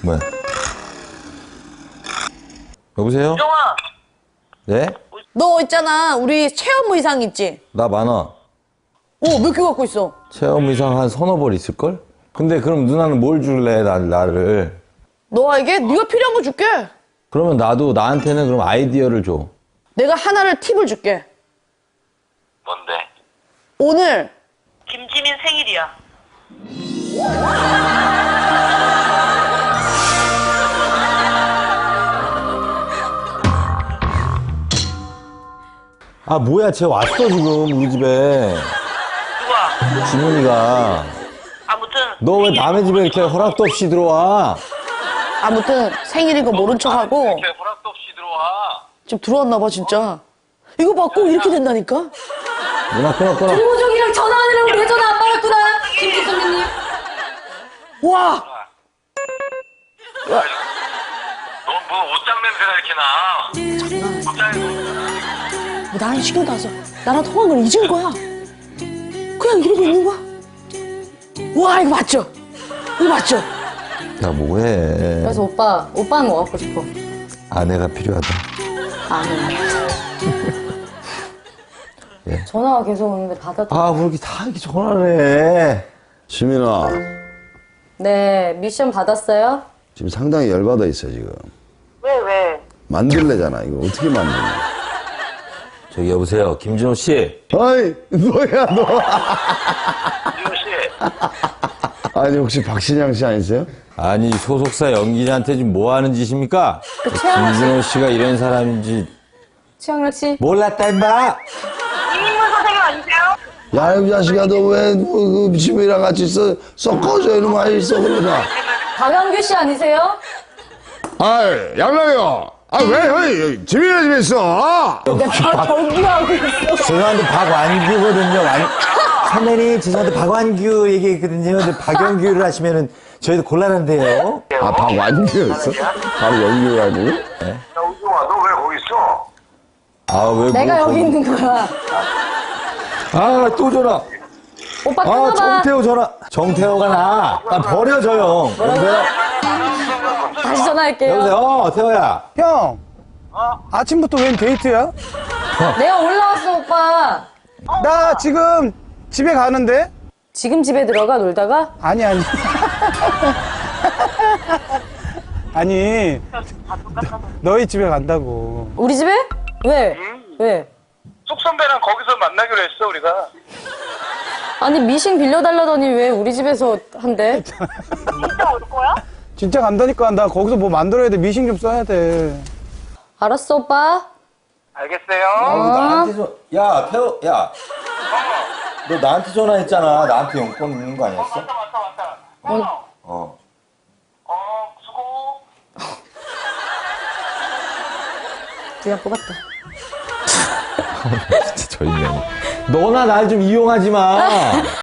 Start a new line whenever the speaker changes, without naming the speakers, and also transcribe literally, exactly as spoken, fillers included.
뭐야? 여보세요?
정아.
네?
너 있잖아, 우리 체험 의상 있지?
나 많아.
어, 몇 개 갖고 있어?
체험 의상 한 서너 벌 있을걸? 근데 그럼 누나는 뭘 줄래, 나, 나를?
너에게 네가 필요한 거 줄게.
그러면 나도 나한테는 그럼 아이디어를 줘.
내가 하나를 팁을 줄게.
뭔데?
오늘
김지민 생일이야.
아, 뭐야, 쟤 왔어, 지금, 우리 집에.
누가?
지문이가.
아무튼.
너 왜 남의 집에 이렇게 허락도 없이 들어와?
아무튼 생일인 거 모른 척하고
이렇게 허락도 없이 들어와.
지금 들어왔나 봐 진짜. 이거 봐, 꼭 이렇게 된다니까?
누나 끊어, 끊어.
조종이랑 전화하느라고 내 전화 안 받았구나. 김치 선배님.
와!
너 뭐 옷장 냄새가 이렇게 나. 옷장에서.
뭐 나랑 신경도 안 써. 나랑 통한 걸 잊은 거야. 그냥 이러고 있는 거야. 와, 이거 맞죠? 이거 맞죠?
야, 뭐해.
그래서 오빠, 오빠는 뭐 갖고 싶어?
아내가 필요하다.
아니.
예.
전화가 계속 오는데 받아도.
아, 왜 이렇게 다 이렇게 전화를 해.
지민아,
네, 미션 받았어요?
지금 상당히 열받아 있어, 지금.
왜, 왜?
만들래잖아, 이거 어떻게 만드냐.
저기, 여보세요. 김진호 씨.
아이, 뭐야, 너.
지훈 씨.
아니, 혹시 박신양 씨 아니세요?
아니, 소속사 연기자한테 지금 뭐 하는 짓입니까?
그 최양락 씨,
김진호 씨가 이런 사람인지
최양락 씨.
몰랐다, 임마!
이민문 선생님 아니세요?
야, 이 자식아, 너 왜, 그, 지민이랑 같이 있어? 섞어져, 이놈아, 있어, 그러자.
박영규 씨 아니세요?
아이, 양락이요. 아, 왜, 형이, 지민이 집에 있어?
내가 경기하고 있어.
죄송한데 박완규거든요. 완... 선배님 죄송한데 박완규 얘기했거든요. 근데 박영규를 하시면은 저희도 곤란한데요.
아, 박완규였어? 바로 연규가 아니고?
야, 우정아, 너 왜 거기 있어?
아, 왜
내가
뭐,
여기 있는 거야.
아, 또 전화.
오빠
아,
끊어봐.
정태호 전화. 정태호가 나. 아, 버려, 저 형. 여보세요?
다시 전화할게요.
여보세요? 어, 태호야.
형, 아침부터 웬 데이트야?
내가 올라왔어, 오빠.
나 지금 집에 가는데?
지금 집에 들어가, 놀다가?
아니, 아니. 아니, 너희 집에 간다고.
우리 집에? 왜? 왜?
속 선배랑 거기서 만나기로 했어, 우리가.
아니, 미싱 빌려달라더니 왜 우리 집에서 한대?
진짜 올 거야?
진짜 간다니까. 나 거기서 뭐 만들어야 돼. 미싱 좀 써야 돼.
알았어, 오빠.
알겠어요.
아, 나한테 전 야, 태호, 야. 너 나한테 전화했잖아. 나한테 용건 있는 거 아니었어?
왔다, 왔다, 왔다. 어.
어.
어, 수고.
그냥 뽑았다.
진짜 저 인간이. 너나 날 좀 이용하지 마.